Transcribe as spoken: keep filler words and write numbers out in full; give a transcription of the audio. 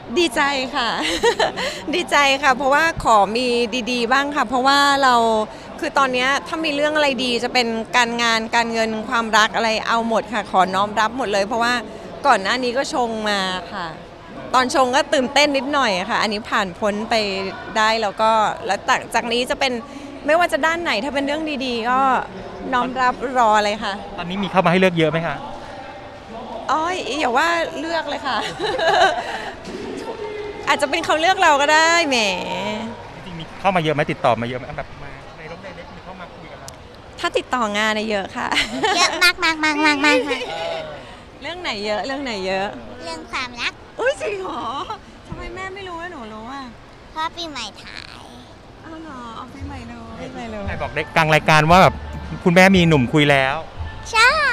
ดีใจค่ะ ดีใจค่ะเพราะว่าขอมีดีๆบ้างค่ะเพราะว่าเราคือตอนนี้ถ้ามีเรื่องอะไรดีจะเป็นการงานการเงินความรักอะไรเอาหมดค่ะขอน้อมรับหมดเลยเพราะว่าก่อนหน้านี้ก็ชงมาค่ะตอนชงก็ตื่นเต้นนิดหน่อยค่ะอันนี้ผ่านพ้นไปได้แล้วก็แล้วจากนี้จะเป็นไม่ว่าจะด้านไหนถ้าเป็นเรื่องดีๆก็น้อมรับรอเลยค่ะตอนนี้มีเข้ามาให้เลือกเยอะไหมคะอ๋ออย่าว่าเลือกเลยค่ะ อาจจะเป็นเขาเลือกเราก็ได้แหมจริงๆมีเข้ามาเยอะไหมติดต่อมาเยอะไหมแบบมาในรถในเล็กมีเข้ามาคุยกับเราถ้าติดต่องานเยอะค่ะเยอะมากมากมากมากมากค่ะเรื่องไหนเยอะเรื่องไหนเยอะเรื่องความรักอุ้ยจริงเหรอทำไมแม่ไม่รู้ว่าหนูรู้อ่ะเพราะปีใหม่ถ่ายอ้าวเหรอเอาปีใหม่รู้ปีใหม่รู้ใครบอกได้กลางรายการว่าแบบคุณแม่มีหนุ่มคุยแล้วใช่